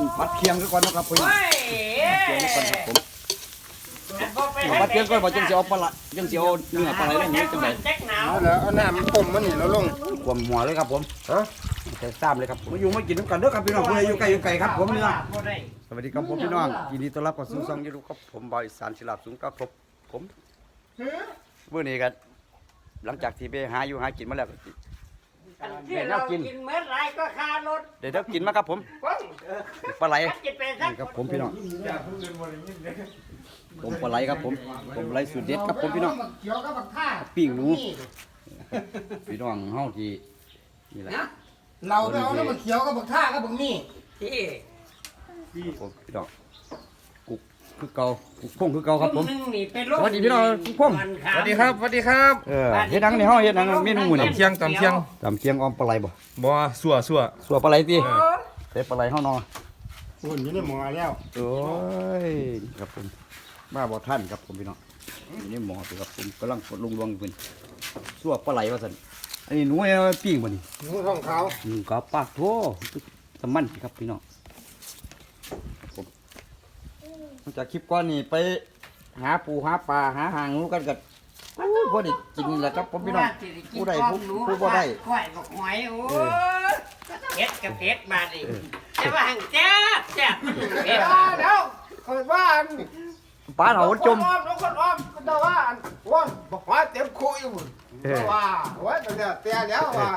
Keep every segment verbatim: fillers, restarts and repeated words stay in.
ผัดเคียงก่อนนะครับพี่เคียงก่อนครับผมผัดเคียงก่อนว่าจังสิเอาปลาจังสิเอาเนื้อปลาไหลนี่จังได๋เอาแล้วเอาน้ำต้มมันนี่แล้วลงกวมหัวเลยครับผมฮะแต่ซ้ำเลยครับมาอยู่มากินน้ำกันเด้อครับพี่น้องผู้ใดอยู่ไกลอยู่ไกลครับผมเนื้อสวัสดีครับผมพี่น้องยินดีต้อนรับเข้าสู่ช่องยูทูบครับผมบอยสารศิลาสูงครับผมเมื่อนี้กันหลังจากที่ไปหาอยู่หากินมาแล้วก็เดี๋ยวเรากินเมื่อไรก็คารถเดี๋ยวเดี๋ยวกินมาครับผมปลาไหลนี่ครับผมพี่น้องผมปลาไหลครับผมผมปลาไหลสุดเด็ดครับผมพี่น้องปิ้งหนูพี่น้องเฮาที่นี่แหละเราไปเอาแล้วมันเขียวกับบักท่ากับบักนี่ผมพี่น้องกุกคือเก่ากุกพงคือเก่าครับผมสวัสดีพี่น้องกุกพงสวัสดีครับสวัสดีครับเออเฮ็ดหนังในเฮาเฮ็ดหนังเมนูนี่ตำเคียงตำเคียงตำเคียงออมปลาไหลบ่บ่สัวสัวสัวปลาไหลติใส่ปลาไหลเฮาเนาะอุ่นอยู่ในหม้อแล้วโอ้ยครับผมมาบ่ทันครับผมพี่น้องอยู่ในหม้อครับผมกำลังลงรวงอยู่เพิ่นสัวปลาไหลว่าซั่นอันนี้หนูเอาปิ้งบ่นี่หนูท้องขาวหนูก็ปากโธ่สมันครับพี่น้องผมหลังจากคลิปก่อนนี่ไปหาปูหาปลาหาหางงูกันกันพอได้กินแล้วครับผมพี่น้องผู้ใดผู้ผู้บ่ได้ก้อยบอกหอยโอ้เผ็ดกับเผ็ดมาดิจะว่าหังแจ๊บแจ๊บเผ็ดเดี๋ยวคอยว่าปลาเถาจมอ้อมน้องคนอ้อมก็จะว่าว่าบอกว่าเต็มคุยอยู่ว่าว่าเดี๋ยวเตี้ยแล้วว่า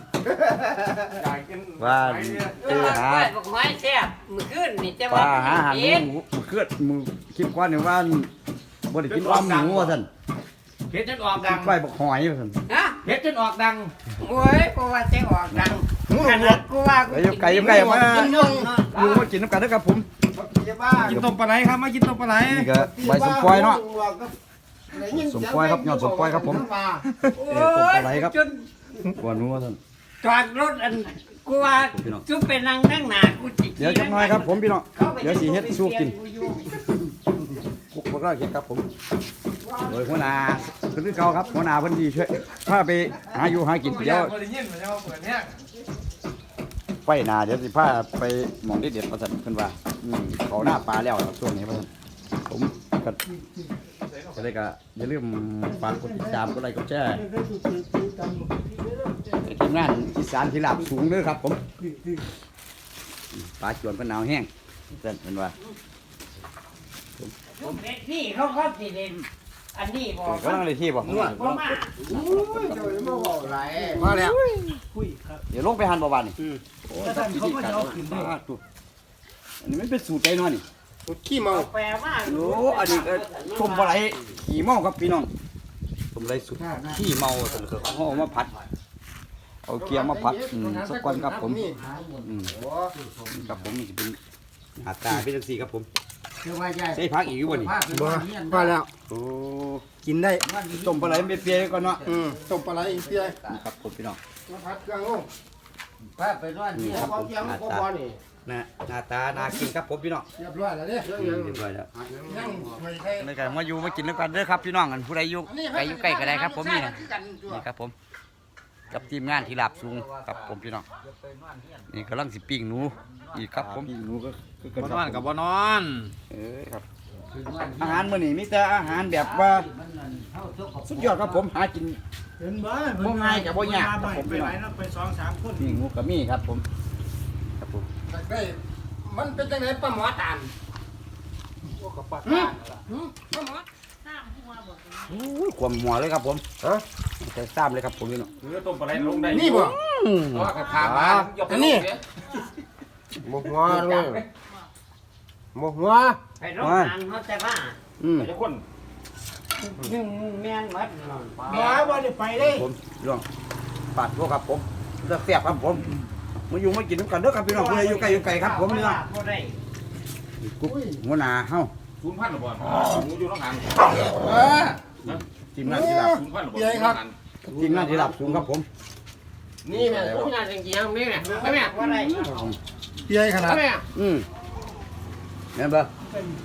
ว่าเจอหาก้อยบอกหอยแจ๊บมือขึ้นนี่จะปว่าลาหาหางงูมือเคลื่อนมือคลิปก่อนนี่ว่าบ่ได้กินอ้อมหนูว่าซั่นเฮ็ดจนออกดังไปบักหอยว่าซั่นฮะเฮ็ดจนออกดังโอ้ยกูว่าจะออกดังขนาดกูว่ากูอยู่ไกลอยู่ไกลมาอยู่มากินน้ำกันนะครับผมกินต้มปลาไหลครับมากินต้มปลาไหลนี่ก็ใบสมปล่อยเนาะสมปล่อยครับยอดสมปล่อยครับผมเออต้มปลาไหลครับกวนนัวท่านจอดรถอันกูว่าจุ๊บเป็นนางนั่งหนากูจิเดี๋ยวจักหน่อยครับผมพี่น้องเดี๋ยวสีเฮ็ดสู้กินกุ๊กพวกเราเฮ็ดครับผมโดยหัวหน้าคือเก่าครับหัวหน้าเพิ่นดีช่วยพาไปหาอยู่หากินเดี๋ยวไปหน้าเดี๋ยวสิพาไปหม่องเด็ดๆว่าซั่นเพิ่นว่าอืมเขาหน้าปลาแล้วช่วงนี้ว่าซั่นผมก็จะได้ก็อย่าลืมฝากกดติดตามกดไลค์กดแชร์ทีมงานอีสานที่ลาบสูงเด้อครับผมปลาจวนก็หนาวแห้งเพิ่นเพิ่นว่านี่เขาเขาสิเด่นอันนี้บอกก็นั่งในที่บ่มามาแล้วเดี๋ยวลงไปหันบ่บานนี่โอ้ท่านเขาก็จะเอาขึ้นได้อันนี้มันเป็นสูตรใจน้อยนี่สูตรขี้เมาแปลว่าโอ้อันนี้ชมปลาไหลขี้เมาครับพี่น้องชมไหลสุดขี้เมาซั่นคือเขาเอามาผัดเอาเกี๊ยวมาผัดอืมสักวันครับผมอืมครับผมนี่สิเป็นหน้าตาเป็นจังซี่ครับผมใส่ผักอีกอยู่บ่นี่บ่พอแล้วโอ้กินได้ต้มปลาไหลเปรี้ยวๆก่อนเนาะอืมต้มปลาไหลเปรี้ยวครับผมพี่น้องมาผัดเครื่องลงไปไปนอนนี่ครับผมหน้าตานะหน้าตาน่ากินครับผมพี่น้องเรียบร้อยแล้วเด้เรียบร้อยแล้วนี่ก็มาอยู่มากินด้วยกันเด้อครับพี่น้องกันผู้ใดอยู่ใกล้อยู่ใกล้ก็ได้ครับผมนี่นี่ครับผมกับทีมงานที่ลาบสูงครับผมพี่น้องนี่กำลังสิปิ้งหนูอีกครับผมปิ้งหนูก็บ่นอนกับบ่นอนเออครับอาหารมื้อนี้มีแต่อาหารแบบว่าสุดยอดครับผมหากินบ่ง่ายกับบ่ยากครับผมพี่น้องไปสองสามคนปิ้งหนูก็มีครับผมครับผมได้มันเป็นจังได๋ป้าหมอตานโอ้กับปลาตานล่ะป้าหมอโอ้ยความหัวเลยครับผมฮะแต่ซ้ำเลยครับผมพี่น้องเนื้อต้มปลาไหลลงได้นี่บ่อ๋อขามาอันนี้หมกหัวเลยหมกหัวไปโรงงานเขาแต่ว่าอืมทุกคนแม่นหมดนอนบ่บ่ได้ไปเลยผมพี่น้องปาดพวกครับผมจะเสียบครับผมมาอยู่มากินน้ำกันเด้อครับพี่น้องผู้ใดอยู่ไกลอยู่ไกลครับผมนี่เนาะกุ๊กหัวหน้าเฮาศูนย์พันหรือเปล่าหมูอยู่น้องหันเออทีมงานที่รับศูนย์พันหรือเปล่าทีมงานที่รับสูงครับผมนี่แม่ทุกงานจริงๆนี่แม่ไม่แม่ว่าอะไรเปี้ยขนาดอืมเห็นปะ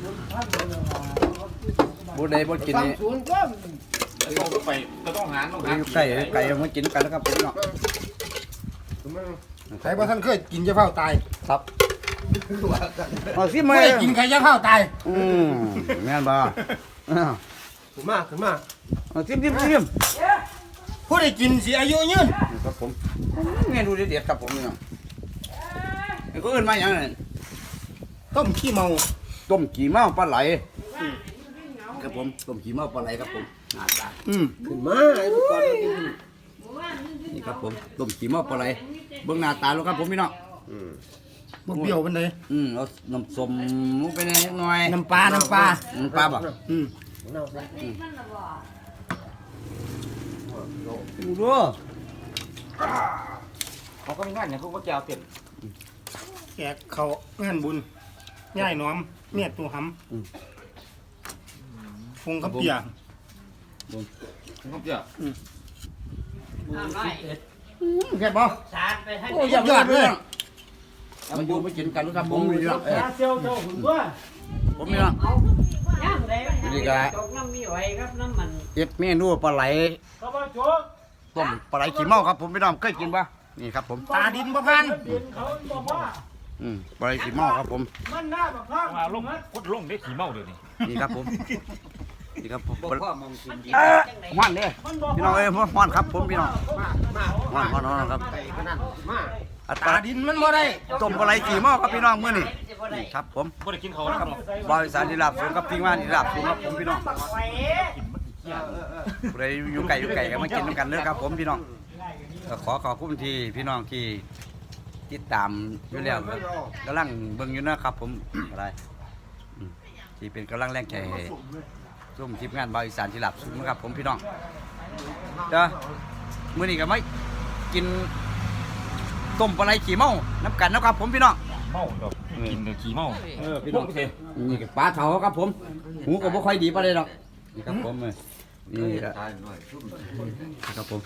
บุญใดบุญกินนี่ต้องไปต้องหาต้องหาไก่ไก่มากินกันแล้วครับพี่น้องใครบ่ท่านเคยกินจะเฝ้าตายครับเอาซิมไม่มาได้กินไข่ย่างข้าวตายอืมแม่นบ่อ้าวขึ้นมาขึ้นมาเอาซิมซิมซิมผู้ได้กินสิอายุยืนนี่ครับผมเมนูเด็ดๆครับผมนี่น้องไอ้ก็เอิ้นมาหยังนั่นต้มขี้เมาต้มขี้เมาปลาไหลครับผมต้มขี้เมาปลาไหลครับผมหน้าตาอืมขึ้นมาไอ้ลูกก่อนนี่ครับผมต้มขี้เมาปลาไหลเบิ่งหน้าตาแล้วครับผมพี่น้องบ่เปรี้ยวปานใดอืมเอาน้ำส้มลงไปหน่อยน้ำปลาน้ำปลาน้ำปลาบ่อืมดูดูเขาก็มีงานอย่างเขาก็แก้วเต็มแขกเขางานบุญย่ายหน้อมเมียตัวหำฟงกับเปียเขาเจ้าเอาหน่อยแค่บ่สารไปให้โอ้ยยอดเลยมันอยู่ไม่กินกันครับผมมีเยอะเออเซียวเจ้าหุ่นตัวผมมีเนาะเอาย่างได้นี่ก็ตกน้ำมีไว้ครับน้ำมันเอ็ดเมนูปลาไหลกระบะโจกต้มปลาไหลขี้เมาครับผมพี่น้องเคยกินปะนี่ครับผมตาดินบ่พันอืมปลาไหลขี้เมาครับผมมันหน้าบักพังมาลงกุดลงได้ขี่เมาเดี๋ยวนี้นี่ครับผมนี่ครับผมบ่พ่อมองกินดีเอ้อจังได๋ฮ้อนเด้พี่น้องเอ้ยฮ้อนครับผมพี่น้องฮ้อนฮ้อนฮ้อนครับมาอัตตาราดินมันบ่ได้ต้มปลาไหลขี้เมาครับพี่น้องมื้อนี้นี่ครับผมบ่ได้กินเขาแล้วครับบริษัทที่รับสูงกับพี่ว่านที่รับสูงครับผมพี่น้องผู้ใดอยู่ไกลอยู่ไกลก็มากินด้วยกันเด้อครับผมพี่น้องก็ขอขอบคุณที่พี่น้องที่ติดตามอยู่แล้วกำลังเบิ่งอยู่นะครับผมอะไรอืมที่เป็นกำลังแรงใจให้ร่วมทีมงานบริษัทที่รับสูงนะครับผมพี่น้องเด้อมื้อนี้ก็ไม่กินต้มปลาไหลขี้เมาน้ำกันนะครับผมพี่น้องเมาดอกกินแต่ขี่เมาเออพี่พน้วอก งเสียนี่ก็ปลาเถาครับผมหูก็บ่ค่อยดีปานใดดอกนี่ครับผมเออนี่ก็ครับผม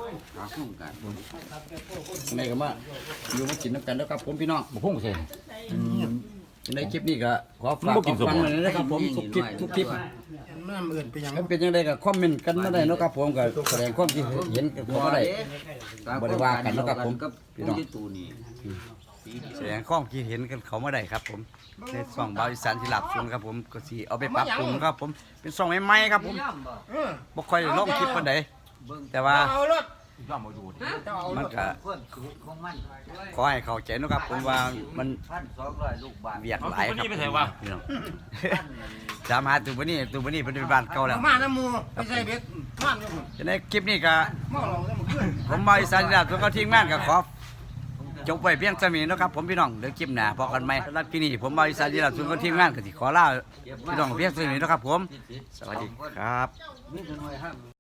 นี่ก็มาอยู่มากินน้ำกันแล้วครับผมพี่น้องบ่พุ่งเสียในคลิปนี้ก็ขอฝากมันบ่กินขอฟังสมหน่อยนะครับผมทุกคลิปทุกคลิปน้ำเอื่นไปยังถ้าเป็นยังไงก็คอมเมนต์กันมาได้เนาะครับผมก็แสดงความคิดเห็นกันเข้ามาได้บ่ได้ว่ากันเนาะครับผมพี่น้องแสดงความคิดเห็นกันเขามาได้ครับผมในช่องบริษัทที่หลับซุนครับผมก็สิเอาไปปรับปรุงครับผมเป็นช่องใหม่ๆครับผมย่อมบ่เออบ่ค่อยลงคลิปปานใดแต่ว่าเอารถย่อมมาดูดิมันก็ความสูงของมันขอให้เข้าใจเนาะครับผมว่ามันพันสองร้อยลูกบาทเวียดหลายครับพี่น้องสามหาตัวบ่นี้ตัวบ่นี้เป็นบ้านเก่าแล้วมาน้ำมูไปใส่เบ็ดมันอยู่หุ่นฉะนั้นคลิปนี้ก็เมาเราได้มาขึ้นผมบริษัทที่หลับซุนก็ทีมงานก็ขอจบไว้เพียงเท่านี้เนาะครับผมพี่น้องเดี๋ยวคลิปหน้าพบกันใหม่สำหรับคลิปนี้ผมบริษัทที่หลับซุนก็ทีมงานก็สิขอลาพี่น้องเพียงเท่านี้เนาะครับผมสวัสดีครับมีแต่หน่วยห้าม